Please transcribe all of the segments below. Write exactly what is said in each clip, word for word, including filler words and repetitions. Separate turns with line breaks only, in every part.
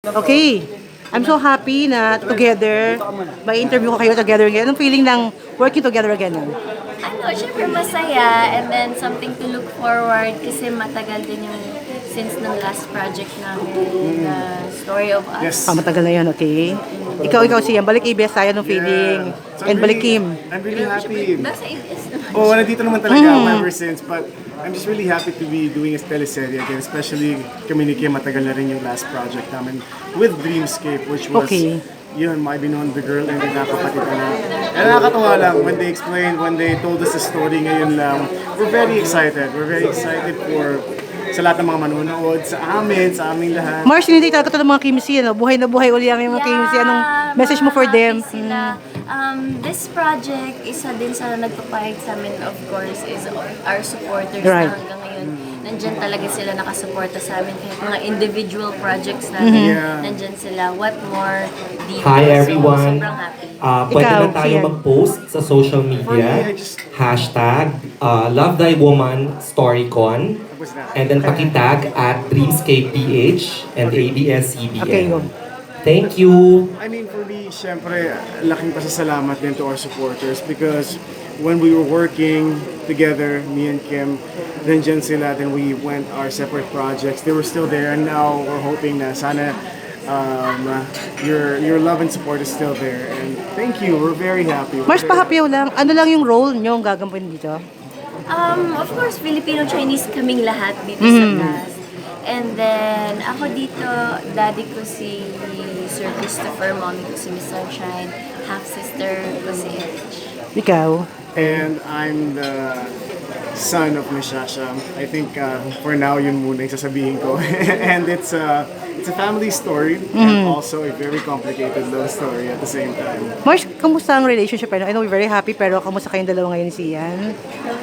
Okay. I'm so happy na together, may interview ko kayo together again. Anong feeling ng working together again?
Ano, syempre masaya and then something to look forward kasi matagal din yung since ng last project namin, the Story of Us.
Yes.
Ah, matagal na yun, okay? Ikaw, ikaw siya. Balik A B S tayo ng feeling.
Yeah. So
And
I'm
balik
really-
Kim.
I'm really happy.
Nasa A B S naman.
Oh, nandito naman talaga ako ever since. But I'm just really happy to be doing a teleserye again. Especially kami ni Kim, matagal na rin yung last project namin with Dreamscape, which was
Okay.
yun, My Beyond the Girl and yung nakapatid ko na. And nakakatawa lang when they explained, when they told us the story ngayon lang, we're very excited. We're very excited for sa lahat ng mga manonood, sa amin, sa aming lahat.
Mars, hindi talaga ito ng mga Kim C, ano? Buhay na buhay uli ang mga Kim C. Anong message mo for
mga
them?
happy Sila. Um, this project, isa din sa nagpapahit sa amin, of course, is our supporters
Right.
na hanggang ngayon. Nandyan talaga sila nakasuporta sa amin. Kahit mga individual projects namin,
Yeah.
nandyan sila. What more dito?
Hi everyone!
So, sobrang happy.
Uh, pwede
Ikaw,
na tayo
Sian.
mag-post sa social media.
For me, I just-
Hashtag uh, Love Thy Woman StoryCon.
Tapos na.
And then pakitag at Dreamscape P H and A B S C B N.
Okay, go.
Thank you!
I mean, for me, syempre, laking pasasalamat din to our supporters because when we were working together, me and Kim, nandyan sila, then we went our separate projects. They were still there, and now we're hoping na sana um, your your love and support is still there. And thank you, we're very happy. We're
Mars,
very
pahapyaw lang. Ano lang yung role nyo ang gagampin dito?
Um, of course, Filipino-Chinese kaming lahat dito
Mm-hmm.
sa cast. And then, ako dito, daddy ko si Sir Christopher, mommy ko si Miss Sunshine, half-sister ko si Erich.
Ikaw?
And I'm the son of Miss Shasha. I think uh, for now yun muna yung sasabihin ko. And it's a, it's a family story and also a very complicated love story at the same time.
Mars, kamusta ang relationship? I know we're very happy, pero kamusta kayong dalawa ngayon ni Sian?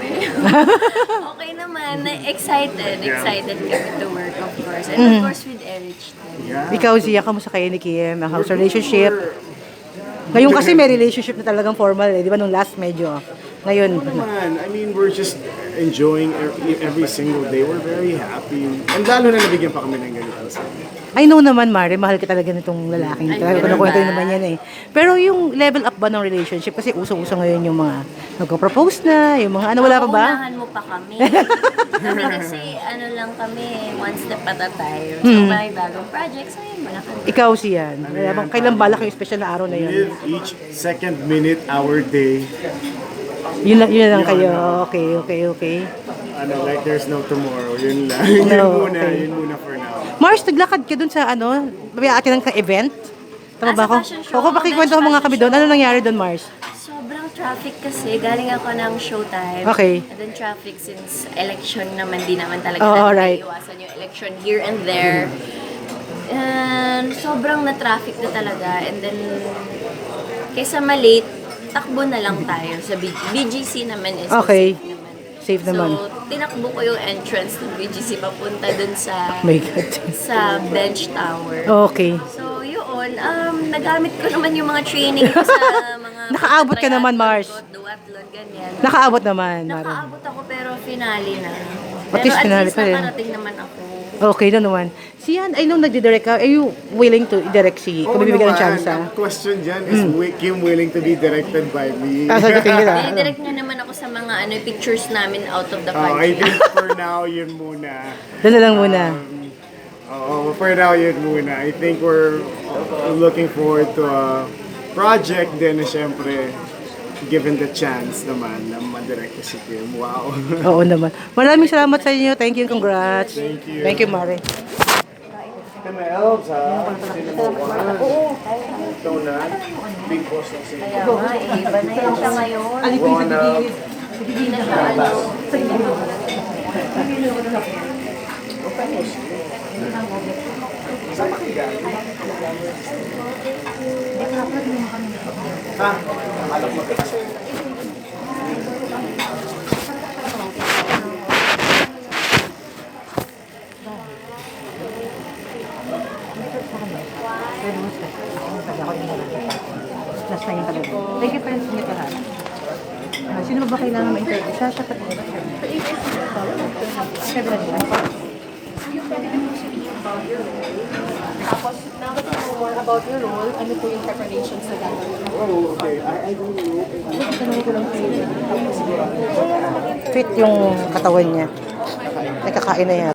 Okay naman, excited,
Yeah.
excited kami to work, of course. And
Mm-hmm.
of course with Erich.
Yeah.
Ikaw, Zia, kamusta kayo ni Kim? Ang house relationship? Ngayon kasi may relationship na talagang formal eh. Di ba nung last medyo? Ngayon,
Man, I mean, we're just enjoying every, every single day. We're very happy. And lalo na nabigyan pa kami ng ganito sa
I know naman, Mare, mahal ka talaga nitong lalaking ito.
Ay, ganun
Kunakwento
ba?
naman yan eh. Pero yung level up ba ng relationship? Kasi uso-uso ngayon yung mga nagko-propose na, yung mga ano, wala pa ba?
Unahan mo pa kami. Kami kasi, ano lang kami, one step at a time. So,
Hmm.
may bagong project, so yun, wala kami.
Ikaw siyan. Wala bang, kailan balak yung special na araw na yun?
Live each second, minute, hour, day.
Yun, lang- yun na lang kayo. Okay, okay, okay.
Ano, like there's no tomorrow. Yun lang. yun
No,
muna,
okay.
yun muna for now.
Mars, naglakad ka dun sa ano, may atin ng event? Tama
Ah,
ba
sa
ako?
fashion show.
Ako, pakikwento mo mga kami doon. Ano nangyari doon, Mars?
Sobrang traffic kasi. Galing ako ng showtime.
Okay.
And then traffic since election naman, di naman talaga
Oh,
natin
alright.
iwasan yung election here and there. And sobrang na-traffic na talaga. And then, kaysa malate, takbo na lang tayo sa B- BGC naman is
Okay.
safe naman.
Safe naman.
So, tinakbo ko yung entrance ng B G C papunta dun sa
Oh my God.
sa bench tower.
Okay.
So, yun, um, nagamit ko naman yung mga training ko sa mga...
Nakaabot ka naman, Mars.
Duathlon, ganyan.
Nakaabot naman, Mare.
Nakaabot ako pero finale na.
At
Pero
least
at
finale
least
pa rin.
nakarating naman ako.
Okay na naman. Siyan, I know nagdi-direct ka. Are you willing to direct si, kung bibigyan ng chance ah?
Ang question dyan is, wi- Kim willing to be directed by me?
Ah, sagutin nila.
Dinidirect niya naman ako sa mga ano pictures namin out of the
Oh, I
country.
think for now, yun muna.
Doon na lang muna.
Oo, for now, yun muna. I think we're looking forward to a project din na syempre, given the chance naman na madirect ko si Kim. Wow.
Oo naman. Maraming salamat sa inyo. Thank you. Congrats.
Thank you.
Thank you, Mare.
Kaya helps ha? Cinema one. Ito na. Big boss ng cinema.
Kaya nga, eh, iba na yan siya ngayon.
One up.
Hindi na siya ano.
Ha? Alam mo kasi.
Last time talaga. Thank you, friends. Hindi pa lahat. Ah, sino ba ba kailangan ma-interview? Siya, siya pati. Siya ba nila?
about your role. Tapos, now that you know more about your role, ano po yung preparations na gagawin?
Oh, okay. I, I don't know.
Fit yung katawan niya. Nakakain na yan.